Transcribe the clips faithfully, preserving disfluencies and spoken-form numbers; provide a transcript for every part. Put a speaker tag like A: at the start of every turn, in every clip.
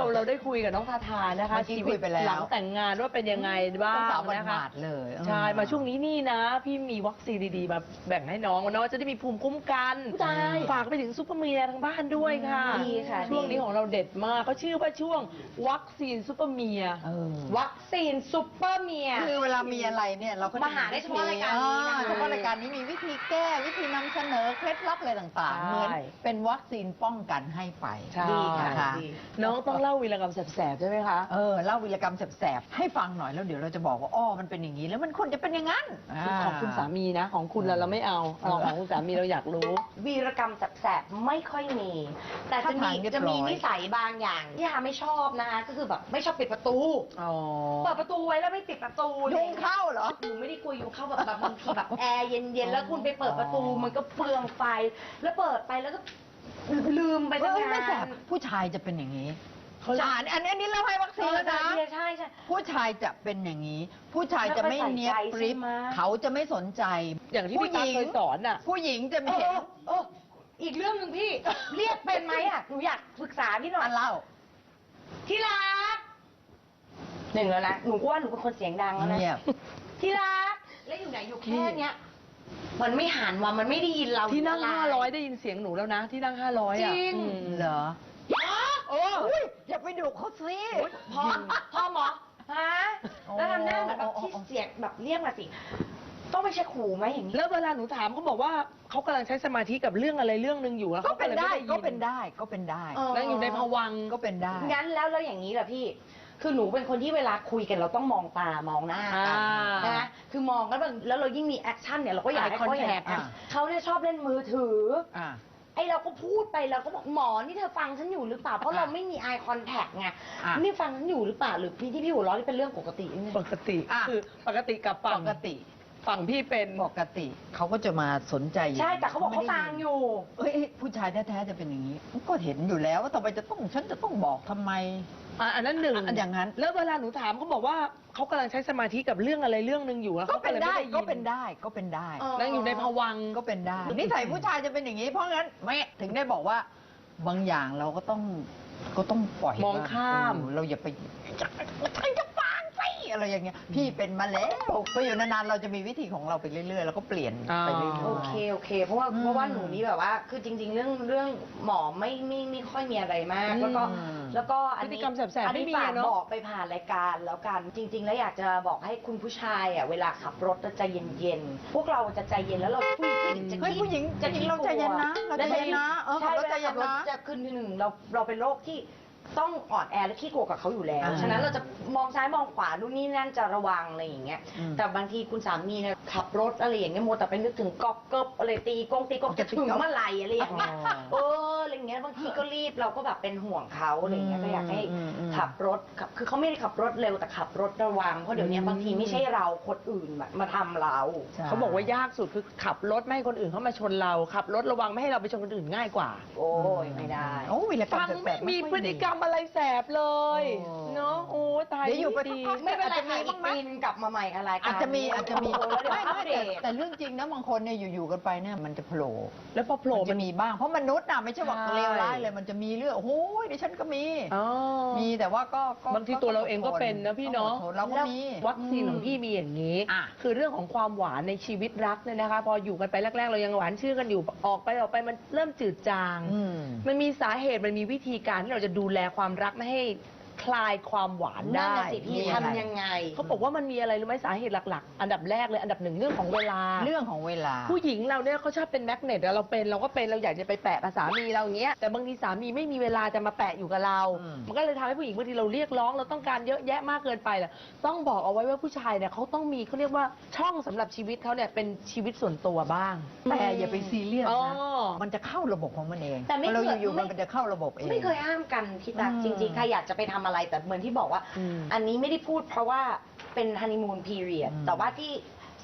A: เราได้คุยกับน้องทาทานะคะชีวิตหลังแต่งงานว่าเป็นยังไงบ้างนะคะ
B: เลย
A: ใช่มาช่วงนี้นี่นะพี่มีวัคซีนดีๆมาแบ่งให้น้องเนาะจะได้มีภูมิคุ้มกันฝากไปถึงซุปเปอร์เมียทางบ้านด้วยค่ะ
C: ดีค่ะ
A: ช่วงนี้ของเราเด็ดมากเขาชื่อว่าช่วงวัคซีนซุปเปอร์เมีย
C: วัคซีนซุปเปอร์เมีย
B: คือเวลามีอะไรเนี่ยเราก็
C: มาหาได้เฉพาะรายการนี้นะ
B: เฉพาะรายการนี้มีวิธีแก้วิธีนำเสนอเคล็ดลับอะไรต่างๆเหมือนเป็นวัคซีนป้องกันให้ไป
A: ดีค่ะน้องต้องเล่าวีรกรรมแสบๆใช่ไหมคะ
B: เออเล่าวีรกรรมแสบๆให้ฟังหน่อยแล้วเดี๋ยวเราจะบอกว่าอ้อมันเป็นอย่างนี้แล้วมันควรจะเป็นอย่างนั้น
A: ของคุณสามีนะของคุณเราเราไม่เอาเอาของคุณสามีเราอยากรู้
C: วีรกรรมแสบๆไม่ค่อยมีแต่จะมีจะมีนิสัยบางอย่างที่ฮาไม่ชอบนะคะก็คือแบบไม่ชอบปิดประตูเปิดประตูไว้แล้วไม่ปิดประตู
B: ยุงเข้าเหรอ
C: หนูไม่ได้กลัวยุงเข้าแบบบางทีแบบแอร์เย็นๆแล้วคุณไปเปิดประตูมันก็เปลืองไฟแล้วเปิดไปแล้วก็ลืมไปตั้งนาน
B: ผู้ชายจะเป็นอย่างนี้ใช่อันนี้อันนี้เราให้วัคซีนแล้วนะ
C: ใช่ใช่
B: ผู้ชายจะเป็นอย่างนี้ผู้ชายจะไม่เนียบปริบเขาจะไม่สนใจ
A: อย่างที่พี่ตาเคยสอนอ่ะ
B: ผู้หญิงจะไม่เห็น
C: อีกเรื่องหนึ่งพี่เรียกเป็นไหมอ่ะหนูอยากปรึกษาพี่หน่อย
B: เล่า
C: ที่รักหนึ่งแล้วนะหนูว่าหนูเป็นคนเสียงดังแล้วนะที่รักแล้วอยู่ไหนอยู่แค่เนี้ยมันไม่หันว่ามันไม่ได้ยินเรา
A: ที่นั่งห้าร้อยได้ยินเสียงหนูแล้วนะที่นั่งห้าร้อย
C: อ่ะจริง
B: เหรอโอ้ยอย่าไปดุเขาสิ
C: พอพอหมอฮะแล้วทำหน้าแบบที่เสียงแบบเรียกมาสิต้องไปเช็คหูไหมอย่างนี้
A: แล้วเวลาหนูถามเขาบอกว่าเขากำลังใช้สมาธิกับเรื่องอะไรเรื่องหนึ่งอยู่แล้ว
B: ก็เป็นได้ก็เป็นได้ก็เป็นได้
A: แล้วอยู่ในภวังค์
B: ก็เป็นได้
C: งั้นแล้วแล้วอย่างนี้แหละพี่คือหนูเป็นคนที่เวลาคุยกันเราต้องมองตามองหน้ากันนะคือมองกันแล้วเรายิ่งมีแอคชั่นเนี่ยเราก็อยากให้เขาเห็นเขาเนี่ยชอบเล่นมือถือไอเราก็พูดไปเราก็บอกหมอนี่เธอฟังฉันอยู่หรือเปล่าเพราะเราไม่มี eye contact ไงนี่ฟังฉันอยู่หรือเปล่าหรือพี่ที่พี่หัวเราะนี่เป็นเรื่องปกติ
A: ปกติคือปกติกับฝั่ง
B: ปกติ
A: ฝั่งพี่เป็น
B: ปกติเขาก็จะมาสนใจ
C: ใช่แต่เขาบอกเขาฟังอยู่
B: เอ้ยผู้ชายแท้ๆจะเป็นอย่างนี้ก็เห็นอยู่แล้วว่าทำไมจะต้องฉันจะต้องบอกทำไม
A: อันนั้นหนึ่ง
B: อย่างนั้น
A: แล้วเวลาหนูถามเขาบอกว่าเขากำลังใช้สมาธิกับเรื่องอะไรเรื่องหนึ่งอยู่แล้ว
B: ก็เป็นได้ก็เป็นได้ก็เป็นได้
A: นั่งอยู่ในภวังค์
B: ก็เป็นได้นิสัยผู้ชายจะเป็นอย่างนี้เพราะงั้นไม่ถึงได้บอกว่าบางอย่างเราก็ต้องก็ต้องปล่อย
A: มองข้าม
B: เราอย่าไปฉันจะฟังสิอะไรอย่างเงี้ยพี่เป็นมาแล้วไปอยู่นานๆเราจะมีวิธีของเราไปเรื่อยๆแล้วก็เปลี่ยนไปเรื่อยๆ
C: โอเคโอเคเพราะว่าเพราะว่าหนูนี่แบบว่าคือจริงๆเรื่องเรื่องหมอไม่ไม่ไม่ค่อยมีอะไรมากแล้วก็แล้วก็อันนี้อันนี้ฝากบอกไปผ่านรายการแล้วกันจริงๆแล้วอยากจะบอกให้คุณผู้ชายอ่ะเวลาขับรถใจเย็นๆพวกเราจะใจเย็นแล้วเราผู้หญิงจะ
B: เฮ้ยผู้หญิงจะเราใจเย็นนะเราใจเย็นนะเออขับรถใจเย็นนะ
C: จะขึ้นที่หนึ่งเราเราเป็นโรคที่ต้องอ่อนแอและขี้กลัวกับเขาอยู่แล้วฉะนั้นเราจะมองซ้ายมองขวานู่นนี่นั่นจะระวังอะไรอย่างเงี้ยแต่บางทีคุณสามีเนี่ยขับรถอะไรอย่างเงี้ยมัวแต่ไปนึกถึงก๊อกเกิบอะไรตีกงตีกงจะถึงเมื่อไหร่อะไรอย่างเงี้ยเอออะไรเงี้ยบางทีก็รีบเราก็แบบเป็นห่วงเขาอะไรเงี้ยก็อยากให้ขับรถคือเขาไม่ได้ขับรถเร็วแต่ขับรถระวังเพราะเดี๋ยวนี้บางทีไม่ใช่เราคนอื่นมาทำเรา
A: เขาบอกว่ายากสุดคือขับรถไม่ให้คนอื่นเข้ามาชนเราขับรถระวังไม่ให้เราไปชนคนอื่นง่ายกว่า
C: โอ้ยไม่ได้
B: โอ้วิลกรรม
A: แสบมีพฤติกรรมอะไรแสบเลยเนาะโอ้ตาย
B: อยู่ไป
C: ไม่เป็นไรค่ะอีกปีนึงกลับมาใหม่อะไร
B: อาจจะมีอาจจะมีไม่ไม่แต่เรื่องจริงนะบางคนเนี่ยอยู่ๆกันไปเนี่ยมันจะโผล่
A: แล้วพอโผล่
B: มันมีบ้างเพราะมนุษย์น่ะไม่ใช่ว่าเลวร้ายเลยมันจะมีเรื่องโอ้ยดิฉันก็มีมีแต่ว่าก็
A: บางทีตัวเราเองก็เป็นนะพี่เนาะ
B: เราก็มี
A: วัคซีนของพี่มีอย่างนี้คือเรื่องของความหวานในชีวิตรักเนี่ยนะคะพออยู่กันไปแรกๆเรายังหวานชื่อกันอยู่ออกไปออกไปมันเริ่มจืดจางมันมีสาเหตุมันมีวิธีการที่เราจะดูแลความรักไม่ให้คลายความหวานได้
C: สิพี่ทำยังไง
A: เขาบอกว่ามันมีอะไรรู้ไหมสาเหตุหลักๆอันดับแรกเลยอันดับหนึ่งเรื่องของเวลา
B: เรื่องของเวลา
A: ผู้หญิงเราเนี่ยเขาชอบเป็นแมกเนตเราเป็นเราก็เป็นเราอยากจะไปแปะกับสามีเราอย่างเงี้ยแต่บางทีสามีไม่มีเวลาจะมาแปะอยู่กับเรามันก็เลยทำให้ผู้หญิงบางทีเราเรียกร้องเราต้องการเยอะแยะมากเกินไปแหละต้องบอกเอาไว้ว่าผู้ชายเนี่ยเขาต้องมีเขาเรียกว่าช่องสำหรับชีวิตเขาเนี่ยเป็นชีวิตส่วนตัวบ้าง
B: แต่อย่าไปซีเรียสนะมันจะเข้าระบบของมันเอง
C: แต่ไม่
B: เราอยู่ๆมันจะเข้าระบบเอง
C: ไม่เคยห้ามกันพี่ตั๊กจริงๆใครอยากจะไปทำอะไรแต่เหมือนที่บอกว่าอันนี้ไม่ได้พูดเพราะว่าเป็นฮันนีมูนพีเรียดแต่ว่าที่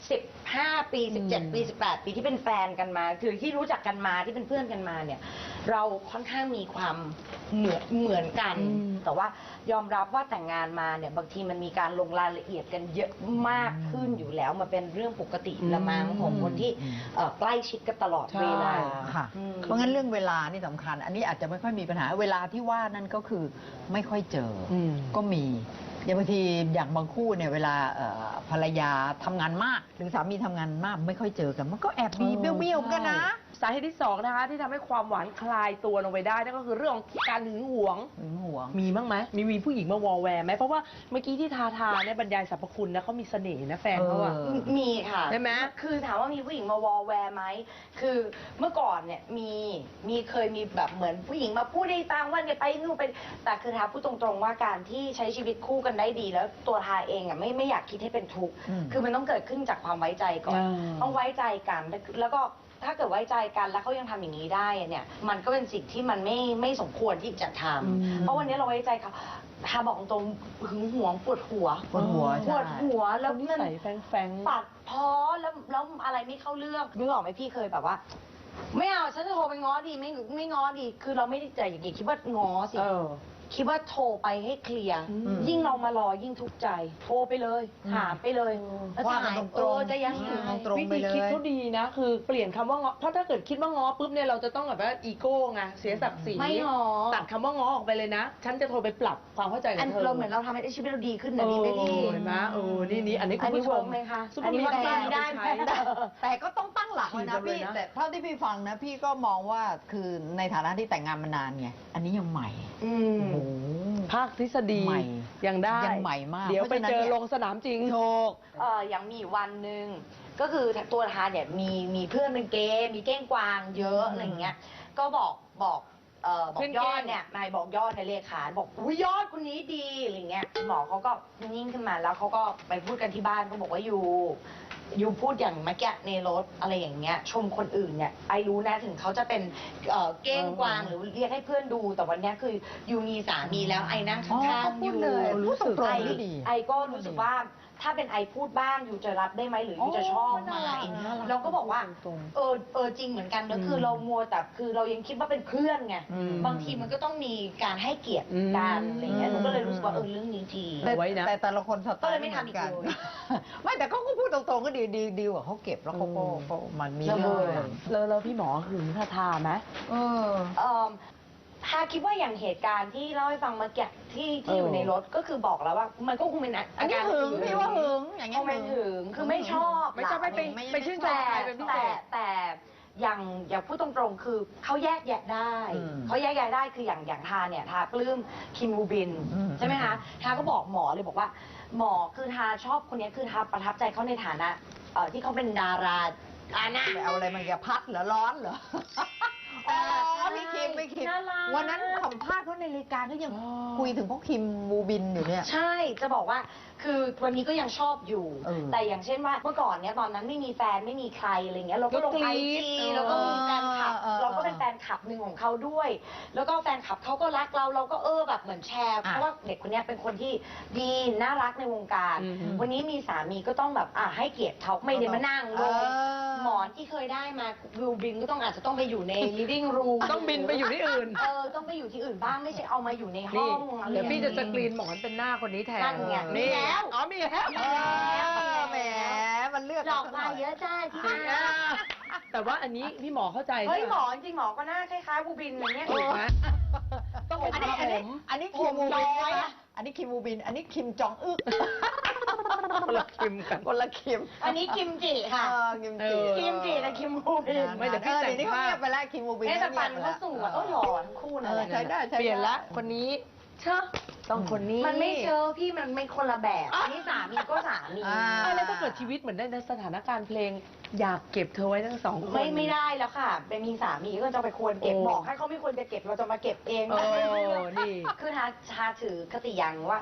C: สิบห้าปีสิบเจ็ดปีสิบแปดปีที่เป็นแฟนกันมาคือที่รู้จักกันมาที่เป็นเพื่อนกันมาเนี่ยเราค่อนข้างมีความเหมือนเหมือนกัน แต่ว่ายอมรับว่าแต่งงานมาเนี่ยบางทีมันมีการลงรายละเอียดกันเยอะมากขึ้นอยู่แล้วมันเป็นเรื่องปกติละมั้งของคนที่เอ่อใกล้ชิดกันตลอดเวลา
B: ค่ะ
C: อืม
B: เพราะงั้นเรื่องเวลานี่สำคัญ อันนี้อาจจะไม่ค่อยมีปัญหาเวลาที่ว่านั่นก็คือไม่ค่อยเจออ
A: ม
B: ก็มีอย่างบางทีอย่างบางคู่เนี่ยเวลาเอ่อภรรยาทำงานมาก หรือสามีทำงานมากไม่ค่อยเจอกัน มันก็แอบมีเบี้ยวๆกันนะ
A: สาเหตุที่สองนะคะที่ทำให้ความหวานคลายตัวลงไปได้นั่นก็คือเรื่องของการหึงหวง
B: หึงหวง
A: มีบ้างไหมมีมีผู้หญิงมาวอลแวร์ไหมเพราะว่าเมื่อกี้ที่ทาทาเนี่ยบรรยายสรรพคุณนะเขามีเสน่ห์นะแฟนเขาอะ
B: เออ
C: มีค่ะ
A: ได้ไหม
C: คือถามว่ามีผู้หญิงมาวอลแวร์ไหม คือเมื่อก่อนเนี่ยมีมีเคยมีแบบเหมือนผู้หญิงมาพูดได้ตามว่าเนี่ยไปนู่นไปแต่คือทาพูดตรงๆว่าการที่ใช้ชีวิตคู่กันได้ดี แล้วตัวทาเองอ่ะไม่ไม่อยากคิดให้เป็นทุกข์
B: อืม
C: คือมันต้องเกิดขึ้นจากความไว้ใจก่อน
A: อ่า
C: ต้องไว้ใจกัน แล้วก็ถ้าเกิดไว้ใจกันแล้วเขายังทำอย่างนี้ได้อะเนี่ย มันก็เป็นสิ่งที่มันไม่ไม่สมควรที่จะทำเพราะวันนี้เราไว้ใจเขาทาบอกตรงๆหึงหวงปวดหัว
B: ปวดหัว
C: ป
B: ใช่
C: วดหัวแล้
A: แล้ว วนิ
C: มัน
A: สัยแฟงแฟง
C: ปัดเพอแล้วแล้วอะไรไม่เข้าเรื่องนึกออกไหมพี่เคยแบบว่า ไม่เอาฉันจะโทรไปง้อดีไม่ไม่ง้อดี คือเราไม่ได้ใจอย่างนี้คิดว่าง้อสิ
A: เออ
C: คิดว่าโทรไปให้เคลียร์
A: อืม
C: ยิ่งเรามารอยิ่งทุกข์ใจ โทรไปเลยถามไปเลยแล้ว
B: ว่ากัน
C: ถ่าย
B: ตรงๆ
C: เออจะยังไง
B: อืมตรง
A: วิ
B: ไป
A: ธี
B: เลย
A: คิดเขาดีนะ คือเปลี่ยนคำว่าง้อเพราะถ้าเกิดคิดว่าง้อปุ๊บเนี่ยเราจะต้องแบบว่าอีโก้ไงเสียศักดิ์ศรี
C: ไม่ง้อ
A: ตัดคำว่าง้อออกไปเลยนะ ฉันจะโทรไปปรับความเข้าใจกั
C: อั
A: บ
C: น
A: เธอ
C: เราเหมือนเราทำให้ชีวิตเราดีขึ้น
A: เอ
C: นะ
A: อ
C: ดีไหมพี่
A: เห็นไหมเออนี่นี่อันนี้คุ
C: อั
A: ณ
C: นนี้
A: ผู้ช
C: เวิ
A: ม
C: ร์กไหมคะ
A: ซุปเป
C: อั
A: อน ร์
C: นี้
A: มี
C: ว่า
A: เดี
C: ได้
A: ย
C: ได้
A: เอา
C: ไห
A: ไป
C: ม
A: ใช้
B: แต่ก็ต้องตั้งหลักไว้นะ
A: ขี่กันเลย
B: พี่
A: นะ
B: แต่เท่าที่พี่ฟังนะ พี่ก็มองว่าคือในฐานะที่แต่งงานมานานไงอันนี้ยังใหม่
C: อืม
B: โอ้โห
A: ภาคทฤษฎี
B: ใหม่
A: ยังได้
B: ยังใหม่มาก
A: เดี๋ยว
B: เพ
A: ไป
B: ราะฉะนั้น
A: เจอ
B: เนี่ย
A: ลงสนามจริง
B: โชค
C: เอออย่างมีอยู่วันหนึ่งก็คือตัวทานเนี่ยมีมีเพื่อนเป็นเกย์มีเก้งกวางเยอะอะไรเงี้ยก็บอกบอกเอ่อบอก
A: เพื่อน
C: ย
A: เก้
C: อง ดเนี่ยนายบอกยอดในเลขาบอกอุ้ยยอดคนนี้ดีอะไรเงี้ยหมอเขาก็นิ่งขึ้นมาแล้วเขาก็ไปพูดกันที่บ้านก็บอกว่าอยู่อยู่พูดอย่างเมื่อกี้ในรถอะไรอย่างเงี้ยชมคนอื่นเนี่ยไอรู้นะถึงเขาจะเป็นเอ่อเก้งกวางหรือเรียกให้เพื่อนดูแต่วันเนี้ยคืออยู่มีสามีแล้วไอนั่ง
B: อ๋อ
C: ข้าง
B: เขา
C: ๆ
B: พู
C: อ
B: ด
C: ยู่
B: เลย
A: รู้สึก
B: พูดตรง
C: ไอ
B: ๆที่ดี
C: ไอก็รู้สึกว่าถ้าเป็นไอพูดบ้างอยู่จะรับได้ไหมหรืออยู่จะชอบไหม
B: น่ารักน่ารัก
C: เราก็บอกว่า
A: ตรงๆ
C: เออเออจริงเหมือนกันนะ
A: อืม
C: คือเรามัวแต่คือเรายังคิดว่าเป็นเพื่อนไง
B: อืม
C: บางทีมันก็ต้องมีการให้เกียรติ
A: อืม
C: กันอะไรเงี้ยหนูก็เลยรู้สึกว่าเออเรื่องนี้ดี
B: แต่
A: เอาไว้นะ
B: แต่แต่ละคนสไต
C: ก็เล
B: ล์
C: ยไม่ทำอีก
B: หนน
C: เลย
B: ไม่แต่เขาก็พูดตรงๆก็ดีดีดีกว่าเขาเก็บแล้วเขาก็
A: อืม
B: เขามันมี
A: แล้ว
B: เรื่อง
A: แล้วแล้วพี่หมอหึงทาทาไหม
B: เออ
C: เอ่อถ้าคิดว่าอย่างเหตุการณ์ที่เล่าให้ฟังเมื่อกี้ที่ที่อยู่
A: เออ
C: ในรถก็คือบอกแล้วว่า มันก็คงเป็น
B: อันนี้
C: การ
B: หึงพี่ว่าหึงอย่างเงี้
C: ค
B: ย
C: งเป็นหึงคือไม่ชอบ
A: ไม่ชอบไม่ไป
B: ไม่
A: ไปชื่นชม
C: แต่
A: ใครเป็นพิเศ
C: แต่
A: ษ
C: แต่อย่างอย่างพูดตรงๆ คือเขาแยกแยะได้
B: อืม
C: เขาแยกแยะได้คืออย่างอย่างทาเนี่ยทาปลื้มคิมบูบิน
B: อืม
C: ใช่ไหมคะทาก็บอกหมอเลยบอกว่า หมอคือทาชอบคนเนี้ยคือทาประทับใจเขาในฐานะเอ่อที่เขาเป็นดาราอานะ
B: ไปเอาอะไรมันแกพัดเหรอร้อนเหรอ อ๋อ
C: ใช่
B: พี่คิมพี่คิม
C: น่ารัก
B: วันนั้นสัมภาษณ์เขาในรายการก็ยัง
A: อ๋อ
B: คุยถึงพวกคิมบูบินอยู่เนี่ย
C: ใช่ จะบอกว่า คือวันนี้ก็ยังชอบอยู่
B: เออ
C: แต่อย่างเช่นว่าเมื่อก่อนเนี้ยตอนนั้นไม่มีแฟนไม่มีใครอะไรเงี้ย เราก็ลง
A: ก็ก
C: ไอ
A: รี๊ด
C: จี
A: เออ
C: แล้วก็มีแฟนคลับ
B: เออเออ
C: เราก็เป็นแฟนคลับหนึ่งของเขาด้วย แล้วก็แฟนคลับเขาก็รักเรา เราก็เออแบบเหมือนแชร์
B: อ่ะ
C: เพราะว่าเด็กคนเนี้ยเป็นคนที่ดีน่ารักในวงการ
A: อืม
C: วันนี้มีสามีก็ต้องแบบอ่ะให้เกียรติเขาไม่ได้มานั่งลง
B: เออ
C: หมอนที่เคยได้มาวิวบินก็ต้องอาจจะต้องไปอยู่ใน living room
A: ต้องบินไปอยู่ที่อื่น
C: เออต้องไปอยู่ที่อื่นบ้างไม่ใช่เอามาอยู่ในห้
A: นี่
C: องอะไร
A: เดี๋ยวพี่จะส
C: อย่าง
A: กรีนหมอนเป็นหน้าคนนี้แทน
C: นั่นไงมี
A: นี่
C: แล้ว
A: อ๋อมีแล้ว
B: เออแหมมันเลือก
C: หลอก
B: สั
C: มา
B: หน่
C: เยอะจ้าที่
A: จริง
C: มา
A: อ่ะแต่ว่าอันนี้พี่หมอเข้าใจ
C: เฮ้ย
A: ใช่
C: หม
A: ไ
C: อจริงๆหมอก็หน้าคล้ายๆบูบินอย่างเงี้ย
A: ถูกไหมต้องเป็น
B: อันนี้
A: ผ
B: อันนี้
A: ม
B: อันนี้คิมบูบิน
C: ผมน้อย
B: ใช่ไหม
C: อะ
B: อันนี้คิมบูบิน อันนี้คิมจองอึก
A: คนละคิมกัน
B: คนละคิม
C: อันนี้กิมจิค่ะ
B: เออคิมจิ
A: เออ
C: กิมจิและคิมบูบิน
A: ไม่เดี๋ยวพี่
B: ออ
A: แต่ง
B: เดี๋ยวนี้เขา
A: ภาพ
B: เงียบไปแล้วคิมบูบิน
C: เนี่ยแต่ปัน
B: งียบไป
C: ก็
B: แล้ว
C: สวยก็หล่อทั้งคู่
B: เอ
C: นั่น
B: อ
C: แหละ
B: ใช้ได้ใช้ได้
A: เปลี่ยนละคนนี้เชื่อต้องคนนี้
C: มันไม่เจอพี่มันเป็นคนละแบบอันนี้สามีก็สามี
B: อ่า
A: อ่ะแล้วถ้าเกิดชีวิตเหมือนในสถานการณ์เพลง อยากเก็บเธอไว้ทั้งสองคน
C: ไม่ไม่ได้แล้วค่ะเป็นมีสามีก็จะไปควรเก็บ
A: โอ้
C: บอกให้เขาไม่ควรจะเก็บเราจะมาเก็บเอง
A: เออนี่
C: คือทาชาถือคติอย่างว่า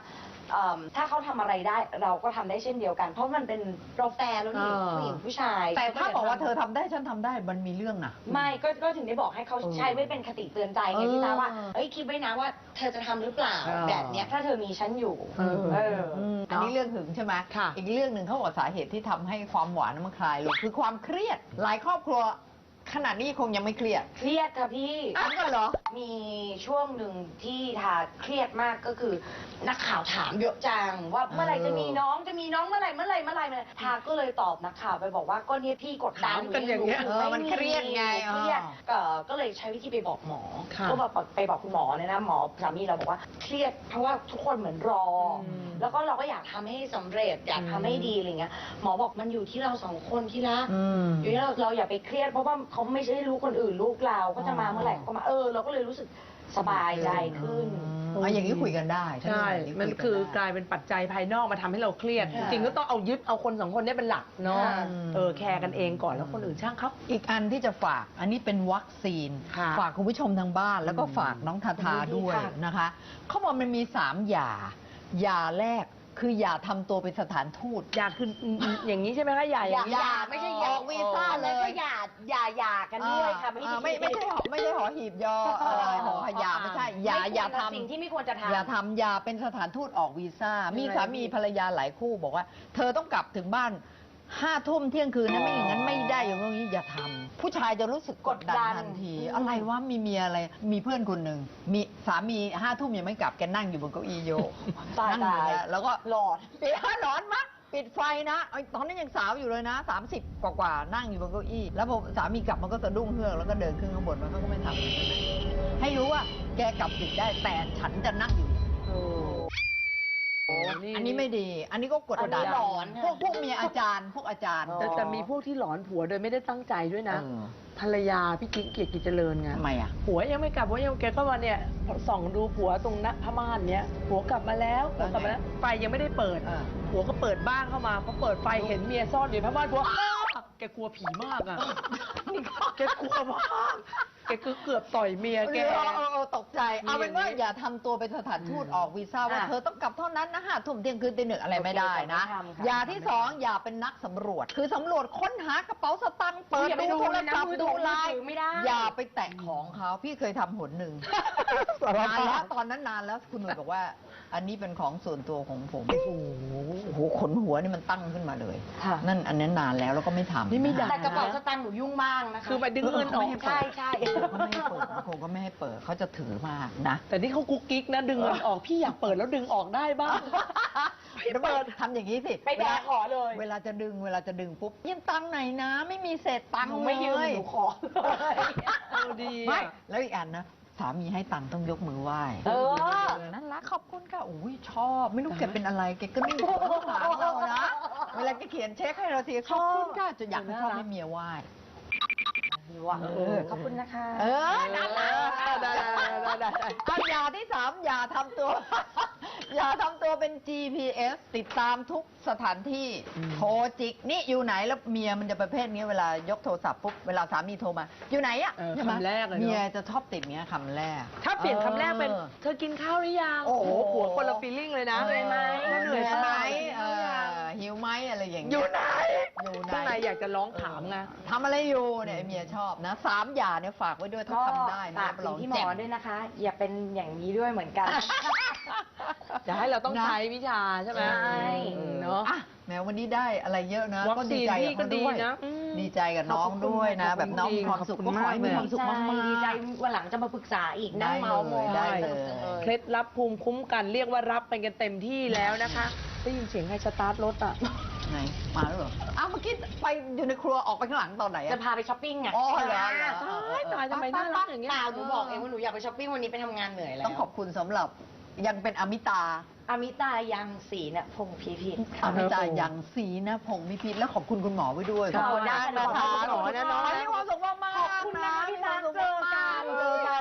C: เอิ่มถ้าเขาทำอะไรได้เราก็ทำได้เช่นเดียวกัน เพราะมันเป็นเราแฟร์แล้วนี่
A: อ่า
C: ผู้หญิงผู้ชาย
B: แต่ถ้าบอกว่าเธอทำได้ฉันทำได้มันมีเรื่องนะ
C: ไม่ก็ก็ถึงได้บอกให้เขาใช้ไว้เป็นคติเตือนใจไง
B: เออ
C: พี่ตาว่าเอ้ยคิดไว้นะว่าเธอจะทำหรือเปล่า
A: เออ
C: แบบเนี้ยถ้าเธอมีฉันอยู่
A: เออ
C: เออ
B: มอันนี้เรื่องหึงใช่ไหม
A: ค่ะ
B: อีกเรื่องหนึ่งเขาบอกสาเหตุที่ทำให้ความหวานมันคลายลงคือความเครียด หลายครอบครัวขนาดนี้คงยังไม่เครียด
C: เครียดค่ะพี่
B: อ้าวก็เหรอ
C: มีช่วงหนึ่งที่ทาเครียดมากก็คือ นักข่าวถามเยอะจังว่าเมื่อไหร่จะมีน้องจะมีน้องเมื่อไหร่เมื่อไหร่เมื่อไหร่เมื่อไหร่ทาก็เลยตอบนักข่าวไปบอกว่าก็เนี่ยพี่กดดัน
A: ถามกันอย่างเงี้ย
C: ห
B: เออมันเครียดไง
C: เครียดเอ่อก็เลยใช้วิธีไปบอกหมอ
A: ค่ะ
C: ก็แบบไปบอกคุณหมอเนี่ยนะหมอสามีเราบอกว่าเครียดเพราะว่าทุกคนเหมือนรออ
A: ม
C: แล้วก็เราก็อยากทำให้สำเร็จอยากทำให้ดีอะไรเงี้ยหมอบอกมันอยู่ที่เราสองคนที่รัก
B: อืม
C: อยู่ที่เราเราอย่าไปเครียดเพราะว่าเขาไม่ใช่ลูกคนอื่นลูกเราก็จะมาเมื่อไหร่ก็มาเออเราก็เลยรู้สึกสบายใจขึ้น
B: อ๋ออย่างนี้คุยกันได้
A: ใช่
B: ถ้าเรื่องแบบ
A: มัน
B: ยกั
A: คือก
B: ได้
A: ลายเป็นปัจจัยภายนอกมาทำให้เราเครียด
C: ค่ะ
A: จริงๆก็ต้องเอายึดเอาคนสองคนเนี้เป็นหลักเนาะ
C: ค่ะ
A: เออแคร์กันเองก่อนแล้วคนอื่นช่างเขา
B: อีกอันที่จะฝาก อันนี้เป็นวัคซีน
A: ค่ะ
B: ฝากคุณผู้ชมทางบ้านแล้วก็
A: อืม
B: ฝากน้องทาทา
C: ดีๆ
B: ด้วย
C: ค่ะ
B: นะคะเขาบอกมันมีสามหย่าหย่าแรกคืออย่าทำตัวเป็นสถานทูต
A: อยากคืออืมอืมอย่างนี้ใช่ไหมคะอย่าอย่างนี้
C: อย่าไม่ใช่อย่า
B: ออกวีซ่าเลย
C: แล้วก็อย่าอย่าอย่ากันด้วยค่ะ
B: อ่าไม่ไม่ใช่หอไม่ใช่หอหีบยอเออหอขยาไม่ใช่อย่าอย่าทำ
C: สิ่งที่ไม่ควรจะทำ
B: อย่าทำอย่าเป็นสถานทูตออกวีซ่า มีสามีภรรยาหลายคู่บอกว่า เธอต้องกลับถึงบ้านห้าทุ่มเที่ยงคืนนะไม่อย่างนั้นไม่ได้อย่างนี้อย่าทำผู้ชายจะรู้สึกกดดัน
C: กดดัน
B: ทันที
C: อืม
B: อะไรวะมีเมียอะไร มีเพื่อนคนหนึ่งมีสามีห้าทุ่มยังไม่กลับแกนั่งอยู่บนเก้าอี้โยก
C: ตาย
B: นั่งอยู่
C: ตาย
B: นะแล้วก็
C: หลอด
B: ปิดร้อนมากปิดไฟนะไอ้ตอนนั้นยังสาวอยู่เลยนะสามสิบกว่าๆนั่งอยู่บนเก้าอี้ แล้วพอสามีกลับมันก็สะดุ้งเฮือกแล้วก็เดินขึ้นข้างบนมันก็ไม่ทำให้รู้ว่าแกกลับดึกได้แต่ฉันจะนั่งอยู่
A: โอ้โห
B: อันนี้ไม่ดี อันนี้ก็กดดัน
C: อันนี้หลอน
B: พวกพวกเมียอาจารย์ พวกอาจารย์
A: แต่แต่มีพวกที่หลอนผัวโดยไม่ได้ตั้งใจด้วยนะ
B: เออ
A: ภรรยาพี่กิ๊กเกียรติกิจเจริญไง
B: ทำไมอ่ะ
A: ผัวยังไม่กลับผัวยังแกก็มาเนี่ยส่องดูผัวตรงหน้าผ้าม่านเนี้ยผัวกลับมาแล้วผัวกลับมาแล้วไฟยังไม่ได้เปิด
B: เออ
A: ผัวก็เปิดบ้านเข้ามาพอเปิดไฟเห็นเมียซ่อนอยู่ในผ้าม่านผัวอ้าวแกกลัวผีมากอ่ะแกกลัวมากแกคือเกือบต่อยเมียแก
B: เออเออเออตกใจ
A: มี
B: เอาเป็นว่า
A: อย่างนี้
B: อย่าทำตัวเป็นสถานทูต
A: อืม
B: ออกวีซ่าว่า
C: อ่ะ
B: เธอต้องกลับเท่านั้นนะห้าทุ่มเที่ยงคืนตีหนึ่งอะไรไม่ได้นะ
C: โอเคไม่ทำค่ะ
B: อย่าที่สองอย่าเป็นนักสำรวจ คือสำรวจค้นหากระเป๋าสตังค์เปิด
C: อย่าไป
B: ดู
C: ดู
B: โทร
C: เลยนะ
B: ศัพท์
C: มือ
B: ดู
C: ถือ
B: ไลน์
C: มือถือไม่ได้
B: อย่าไปแตะของเขาพี่เคยทำหนหนึ่ง นานแล้วตอนนั้นนานแล้วคุณหนุ่ยบอกว่า อันนี้เป็นของส่วนตัวของผม โอ้โหขนหัวนี่มันตั้งขึ้นมาเลย
C: ค่ะ
B: นั่นอันนั้นนานแล้วแล้วก็ไม่ทำ
A: นี่ไม่ด่า
C: แต่กระเป๋าสตางค์หนูยุ่งมากนะคะ
A: คือไปดึงเงินออก
C: ใช่ใช่
B: เขาไม่ให้เปิดคงก็ไม่ให้เปิดเขาจะถือมากนะ
A: แต่นี่เขากุ๊กกิ๊กนะดึงเงินออกพี่อยากเปิดแล้วดึงออกได้บ้าง
B: เดี๋ยวเปิดทำอย่างนี้สิ
C: ไปแบกขอเลย
B: เวลาจะดึงเวลาจะดึงปุ๊บยืมตังค์ไหนอยนะ ไม่มีเศษตังค์
C: หนูไม่ยืม
B: เลย
C: หนูขอเลย
A: เออดีอะ
B: ไม่แล้วอีกอันนะสามีให้ตังค์ต้องยกมือไหว้
C: เออ
B: นั่นรักขอบคุณค่ะโอ้ยชอบ ไม่รู้แกเป็นอะไรแกก็นิ่งหัวหางเรานะ เวลาแกเขียนเช็คให้เราทีขอบคุณค่ะจะอยากให้ชอบให้เมียไหว้
C: ว่ะ
B: เออ
C: ขอบคุณนะคะ
B: เออน่ารัก
A: ได้ได้ได้ได้ได้
B: เอาอย่าที่สามอย่าทำตัว อย่าทำตัวเป็น จี พี เอส ติดตามทุกสถานที่
A: อืม
B: โทรจิก นี่อยู่ไหนแล้วเมียมันจะประเภทนี้เวลายกโทรศัพท์ปุ๊บ เวลาสามีโทรมา อยู่ไหนอะ
A: เออ
B: ใช่ไหม
A: คำแรกเลยเนอะ
B: เมียจะชอบติดเมียคำแรก
A: ถ้าเปลี่ยนคำแรกเป็น
B: ออ
A: เธอกินข้าวหรือยัง
B: โอ้โห
A: ผัวคนละฟีลลิ่งเลยนะ
B: เหนื่อยไหม
A: เหนื่อยไหม
B: เออหิวไหมอะไรอย่างเงี้
A: อยู่ไหน
B: อยู่ไหน
A: ข้างในอยากจะร้องถามไง
B: ทำอะไรอยู่เนี่ยเมียชอบนะสามอย่าเนี่ยฝากไว้ด้วยถ้า
C: ก็
B: ทำได้นะ
C: ฝาก
B: รับ
C: ถึ
B: รอง ง
C: ที่หม
B: เจ๋
C: อง ด้วยนะคะ อย่าเป็นอย่างนี้ด้วยเหมือนกัน
A: จะให้เราต้อง
B: นะ
A: ใช้วิชาใช่ไหม
C: ใช่
A: เออเนาะ
B: อ่ะแม้วันนี้ได้อะไรเยอะนะ
A: วัค
B: ก็
A: ซี
B: ดี
A: น
B: ใจ
A: พี่
B: กับ
A: ก็
B: เขา
A: ดี
B: ด้วย
A: นะอืม
B: ดีใจกับน้องด้วยนะ
A: ขอบคุณ
B: แบบน้องมีความสุข
A: ขอบคุ
B: ก็
A: ณ
B: ขอให้มี
A: มาก
B: ความสุขมาก
C: ดีใจ
B: ๆ
C: วันหลังจะมาปรึกษาอีกนั่งเมาส์มอย
B: ได้
C: ส
B: เลย
C: นุกจังเลย
A: เคล็ดลับภูมิคุ้มกันเรียกว่ารับไปกันเต็มที่แล้วนะคะได้ยินเสียงใครสตาร์ทรถอ่ะ
B: ไหนมาแล้วเหรออ้าวเมื่อกี้ไปอยู่ในครัวออกไปข้างหลังตอนไหน
C: จะ
B: อะ
C: พาไปช้อปปิ้งไง
B: อ๋อเหรอเหรอ
A: ตายตายทำไมน่ารักอย่างเงี้ย
C: เปล่าหนูบอกเองว่าหนูอยากไปช้อปปิ้งวันนี้ไปทำงานเหนื่อยแล้ว
B: ต้องขอบคุณสำหรับยังเป็นอมิตา
C: อมิตายังสีเนี่ยพงศ์พีพิษ
B: อ
C: ค่ะ
B: มิตายังสีนะพงศ์มิพิษและขอบคุณคุณหมอไว้ด้วย
A: ขอบคุณ
B: นะ
A: มากนะคะหมอนะน้อง
B: มีความสุขมากๆ
C: ขอบคุณนะพี่ตั๊ก
B: มีความสุขมากๆ
C: เจอกัน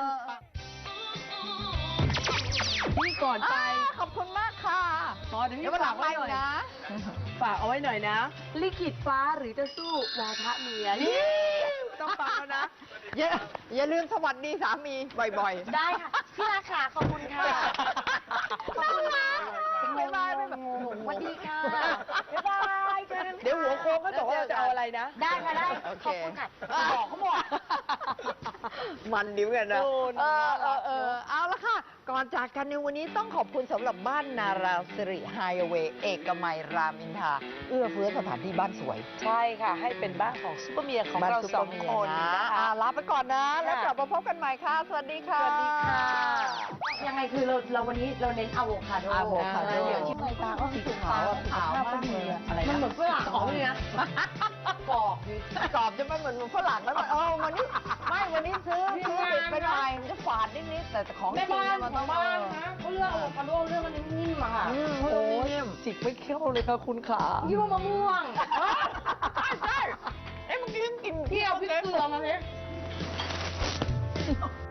A: พี่ก่อนไป
B: อ่าขอบคุณมากค่ะ
A: หมอเดี๋ยว
B: เดี๋
A: พี่
B: ยววันหลั
A: ฝาก
B: งไป
A: ไว้หน่อย
B: นะ
A: ฝากเอาไว้หน่อยนะ ลิขิตฟ้าหรือจะสู้วาทะเมียนี่ต้องฟังแล้วนะ
B: อย่าอย่าลืมสวัสดีสามีบ่อยๆ
C: ได้ค่ะ พี่ราคาขอบคุณค่ะ
B: บ๊ายบายบ๊ายบาย
C: สวัสดีค่ะบ๊ายบายเจอกัน
A: เดี๋ยวหัวโค้งก็บอกว่าเราจะเอาอะไรนะ
C: ได้ค่ะได้
B: โอ
C: ข
B: เค
C: อบคุณค่ะบอกเขาหมด
B: มันดิ้วกันนะ
A: โอ้
B: เออเอ
A: น่ารั
B: อก เออเอาละค่ะ ก่อนจากกันในวันนี้ต้องขอบคุณสำหรับบ้านนาราสิริไฮเวย์เอกมัยรามอินทราเอื้อเฟื้อสถานที่บ้านสวย
A: ใช่ค่ะ ให้เป็นบ้านของซุปเปอร์เมียของ
B: บ้าน
A: เรา
B: ซุป
A: ส
B: เป
A: อ
B: อง ร์เมีย
A: คน
B: นะ
A: นะคะ
B: อ่าลาไปก่อนนะ
A: ค่ะ
B: แล้วกลับมาพบกันใหม่ค่ะ สวัสดีค่ะ
A: สวัสดีค่ะ
C: ยังไงคือเราเราวันนี้เราเน้นอะโวคาโด
B: อะโวคาโด
C: เดี๋ยวที่ใบตาก็สีขาวอะขาวมากเลยอะ
B: อะไรนะ
C: มันเหมือนฝรั่งอ๋อนี่นะกรอบอยู่
B: กรอบจะไม่เหมือนฝรั่งแล้วมันเออวันนี้ไม่วันนี้ซื้อซื้อเด็กไปหน่อยมันจะฝาดนิดๆแต่ของจ
C: แม่
B: ริง
C: บ้าน
B: เนี่ยมัน
C: ข
B: ต้
C: อ
B: อง ง
C: บ้านนะเขาเลือกอะโวคาโดเลือกมันนิ่มๆอะค่ะ
B: อืม
A: โอ้
B: โอ้
A: ย
B: ย
A: จิกไม่เข้าเลยค่ะคุณขา
C: ยี่ห้อมะม่วง
B: เอ้ยเมื่อกี้กิน
C: พี่เอาพริกเกลือมาสิ